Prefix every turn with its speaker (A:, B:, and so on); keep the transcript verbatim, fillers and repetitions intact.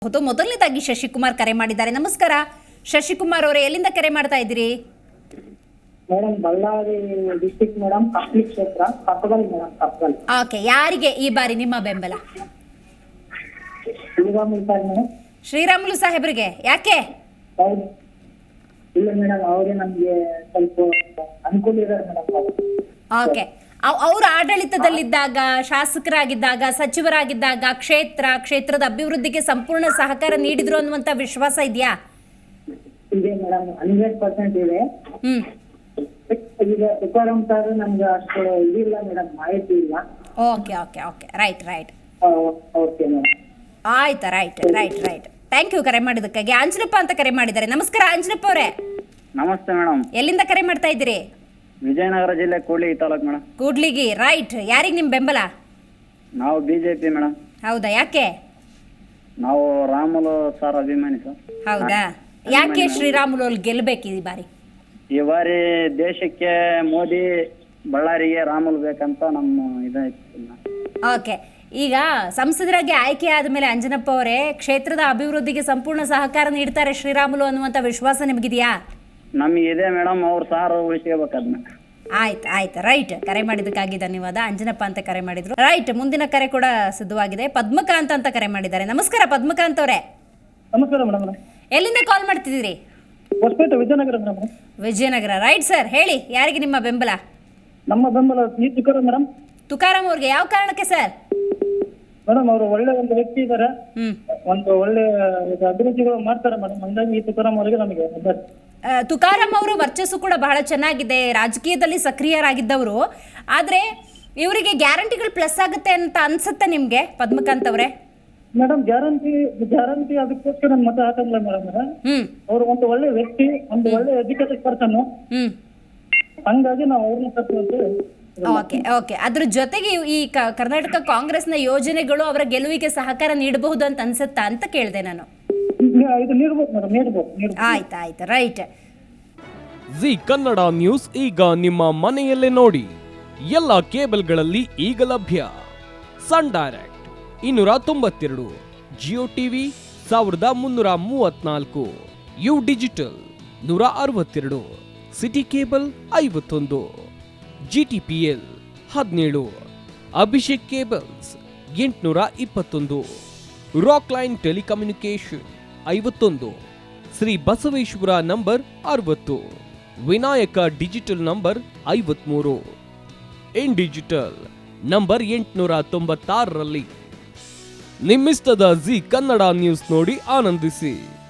A: ಹೌದು. ಮೊದಲನೇದಾಗಿ ಶಶಿಕುಮಾರ್ ಕರೆ ಮಾಡಿದ್ದಾರೆ. ನಮಸ್ಕಾರ ಶಶಿಕುಮಾರ್ ಅವರೇ, ಎಲ್ಲಿಂದ ಕರೆ ಮಾಡ್ತಾ ಇದ್ದೀರಿ?
B: Madam Ballari district madam, Kappali ಕ್ಷೇತ್ರ, ಕಪ್ಪಗಲ್ ಮೇಡಮ್, ಕಪ್ಪಗಲ್.
A: ಓಕೆ, ಯಾರಿಗೆ ಈ ಬಾರಿ ನಿಮ್ಮ ಬೆಂಬಲ?
B: Sriramulu sir madam.
A: ಶ್ರೀರಾಮುಲು ಸಾಹೇಬ್ರಿಗೆ ಯಾಕೆ?
B: ಹೌದು. ಇಲ್ಲ ಮೇಡಮ್, ಅವರೇ ನಮ್ಗೆ ಸ್ವಲ್ಪ ಅನುಕೂಲ ಇದ್ದಾರೆ ಮೇಡಮ್.
A: ಓಕೆ, ಅವರು ಆಡಳಿತದಲ್ಲಿದ್ದಾಗ, ಶಾಸಕರಾಗಿದ್ದಾಗ, ಸಚಿವರಾಗಿದ್ದಾಗ ಕ್ಷೇತ್ರ ಕ್ಷೇತ್ರದ ಅಭಿವೃದ್ಧಿಗೆ ಸಂಪೂರ್ಣ ಸಹಕಾರ ನೀಡಿದ್ರು ಅನ್ನುವಂತ ವಿಶ್ವಾಸ ಇದೆಯಾ?
B: ಇದೆ ಮೇಡಮ್, ಹಂಡ್ರೆಡ್ ಪರ್ಸೆಂಟ್ ಇದೆ.
A: ಹ್ಮ್
B: ಈಗ ತುಕಾರಾಮ್ ಸರ್ ನಮ್ಗೆ ಅಷ್ಟು ಇದಿಲ್ಲ ಮೇಡಮ್, ಮಾಹಿತಿ ಇಲ್ಲ.
A: Okay okay okay right right
B: okay madam.
A: ಆಯ್ತಾ, right right right thank you ಕರೆ ಮಾಡಿದ್ದಕ್ಕಾಗಿ. ಅಂಜನಪ್ಪ ಅಂತ ಕರೆ ಮಾಡಿದ್ದಾರೆ. ನಮಸ್ಕಾರ ಅಂಜನಪ್ಪ ಅವರೇ.
C: ನಮಸ್ತೆ ಮೇಡಮ್.
A: ಎಲ್ಲಿಂದ ಕರೆ ಮಾಡ್ತಾ ಇದ್ದೀರಿ?
C: ವಿಜಯನಗರ ಜಿಲ್ಲೆ ಕೂಡ್ಲಿಗಿ ತಾಲೂಕು ಮೇಡಮ್.
A: ಕೂಡ್ಲಿಗಿ, ರೈಟ್. ಯಾರಿಗೆ ನಿಮ್ ಬೆಂಬಲ?
C: ನಾವು ಬಿಜೆಪಿ ಮೇಡಮ್.
A: ಹೌದಾ, ಯಾಕೆ?
C: ನಾವು ರಾಮುಲು ಸರ್ ಅಭಿಮಾನಿ ಸರ್.
A: ಹೌದಾ, ಯಾಕೆ ಶ್ರೀರಾಮುಲು ಅಲ್ಲಿ ಗೆಲ್ಬೇಕು ಈ ಬಾರಿ?
C: ಈ ಬಾರಿ ದೇಶಕ್ಕೆ ಮೋದಿ, ಬಳ್ಳಾರಿಗೆ ರಾಮುಲು ಬೇಕಂತ ನಮ್ಮ ಇದೈತಿ.
A: ಓಕೆ, ಈಗ ಸಂಸದರಾಗಿ ಆಯ್ಕೆ ಆದಮೇಲೆ ಅಂಜನಪ್ಪ ಅವರೇ, ಕ್ಷೇತ್ರದ ಅಭಿವೃದ್ಧಿಗೆ ಸಂಪೂರ್ಣ ಸಹಕಾರ ನೀಡ್ತಾರೆ ಶ್ರೀರಾಮುಲು ಅನ್ನುವಂಥ ವಿಶ್ವಾಸ ನಿಮಗಿದೆಯಾ?
C: ನಮಗೆ ಇದೆ ಮೇಡಮ್, ಅವ್ರು ಸಾರು ಉಳಿಸ್ಕೋಬೇಕು ಅದನ್ನ.
A: ಆಯ್ತು ಆಯ್ತು ರೈಟ್. ಕರೆ ಮಾಡಿದ್ದಕ್ಕಾಗಿ ಧನ್ಯವಾದ. ಅಂಜನಪ್ಪ ಅಂತ ಕರೆ ಮಾಡಿದ್ರು. ರೈಟ್, ಮುಂದಿನ ಕರೆ ಕೂಡ ಸಿದ್ಧವಾಗಿದೆ. ಪದ್ಮಕಾಂತ್ ಅಂತ ಕರೆ ಮಾಡಿದ್ದಾರೆ. ನಮಸ್ಕಾರ ಪದ್ಮಕಾಂತ್ ಅವರೇ.
B: ನಮಸ್ಕಾರ ಮೇಡಮ್.
A: ಎಲ್ಲಿಂದ ಕಾಲ್ ಮಾಡ್ತಿದ್ದೀರಿ?
B: Hosapete, Vijayanagara madam.
A: Vijayanagara, right sir. ಹೇಳಿ, ಯಾರಿಗೆ ನಿಮ್ಮ ಬೆಂಬಲ?
B: ನಮ್ಮ ಬೆಂಬಲ ಈ ತುಕಾರಾಮ್ ಮೇಡಮ್.
A: ತುಕಾರಾಮ್ ಅವ್ರಿಗೆ ಯಾವ ಕಾರಣಕ್ಕೆ ಸರ್?
B: ಮೇಡಮ್ ಅವರು ಒಳ್ಳೆ ಒಂದು ವ್ಯಕ್ತಿ ಇದ್ದಾರೆ,
A: ಹ್ಮ್
B: ಒಂದು ಒಳ್ಳೆ ಅಭಿವೃದ್ಧಿಗಳು ಮಾಡ್ತಾರೆ ಮೇಡಮ್. ಹಂಗಾಗಿ ಈ ತುಕಾರಾಮ್ ಅವರಿಗೆ ನಮಗೆ ಬೆಂಬಲ.
A: ಆ, ತುಕಾರಾಮ್ ಅವರು ವರ್ಚಸ್ಸು ಕೂಡ ಬಹಳ ಚೆನ್ನಾಗಿದೆ, ರಾಜಕೀಯದಲ್ಲಿ ಸಕ್ರಿಯರಾಗಿದ್ದವರು. ಆದರೆ ಇವರಿಗೆ ಗ್ಯಾರಂಟಿಗಳು ಪ್ಲಸ್ ಆಗುತ್ತೆ ಅಂತ ಅನ್ಸುತ್ತೆ ನಿಮಗೆ ಪದ್ಮಕಾಂತ್ ಅವರೇ?
B: ಮೇಡಮ್ ಗ್ಯಾರಂಟಿ ಗ್ಯಾರಂಟಿ ಅದಕ್ಕೋಸ್ಕರ ನನ್ನ ಮತ ಹಾಕಲ್ಲ ಮೇಡಮ್.
A: ಹ್ಮ್
B: ಅವರು ಒಂದು ಒಳ್ಳೆ ವ್ಯಕ್ತಿ, ಒಂದು ಒಳ್ಳೆ ಎಜುಕೇಟೆಡ್ ಪರ್ಸನ್.
A: ಹ್ಮ್
B: ಹಂಗಾಗಿ ನಾವು ಅವ್ರನ್ನ ತಪ್ಪು.
A: ಓಕೆ ಓಕೆ ಅದ್ರ ಜೊತೆಗೆ ಈ ಕ- ಕರ್ನಾಟಕ ಕಾಂಗ್ರೆಸ್ನ ಯೋಜನೆಗಳು ಅವರ ಗೆಲುವಿಗೆ ಸಹಕಾರ ನೀಡಬಹುದು ಅಂತ ಅನ್ಸುತ್ತಾ ಅಂತ ಕೇಳಿದೆ ನಾನು.
B: ಇದು ನೀಡ್ಬೋದು ಮೇಡಮ್, ನೀಡ್ಬೋದು ನೀಡ್ಬೋದು.
A: ಆಯ್ತು ಆಯ್ತು ರೈಟ್.
D: ಜಿ ಕನ್ನಡ ನ್ಯೂಸ್ ಈಗ ನಿಮ್ಮ ಮನೆಯಲ್ಲೇ ನೋಡಿ. ಎಲ್ಲ ಕೇಬಲ್ಗಳಲ್ಲಿ ಈಗ ಲಭ್ಯ. ಸನ್ ಡೈರೆಕ್ಟ್ ಇನ್ನೂರ ತೊಂಬತ್ತೆರಡು, ಜಿಯೋ ಟಿವಿ ಸಾವಿರದ ಮುನ್ನೂರ ಮೂವತ್ನಾಲ್ಕು, ಯು ಡಿಜಿಟಲ್ ನೂರ ಅರವತ್ತೆರಡು, ಸಿಟಿ ಕೇಬಲ್ ಐವತ್ತೊಂದು, ಜಿ ಟಿ ಪಿ ಎಲ್ ಹದಿನೇಳು, ಅಭಿಷೇಕ್ ಕೇಬಲ್ಸ್ ಎಂಟುನೂರ ಇಪ್ಪತ್ತೊಂದು, ರಾಕ್ ಲೈನ್ ಟೆಲಿಕಮ್ಯುನಿಕೇಶನ್ ಐವತ್ತೊಂದು, ಶ್ರೀ ಬಸವೇಶ್ವರ ನಂಬರ್ ಅರವತ್ತು, ವಿನಾಯಕ ಡಿಜಿಟಲ್ ನಂಬರ್ ಐವತ್ಮೂರು, ಇನ್ ಡಿಜಿಟಲ್ ನಂಬರ್ ಎಂಟುನೂರ ತೊಂಬತ್ತಾರರಲ್ಲಿ. ನಿಮ್ಮಿಸ್ತದ ಜಿ ಕನ್ನಡ ನ್ಯೂಸ್ ನೋಡಿ ಆನಂದಿಸಿ.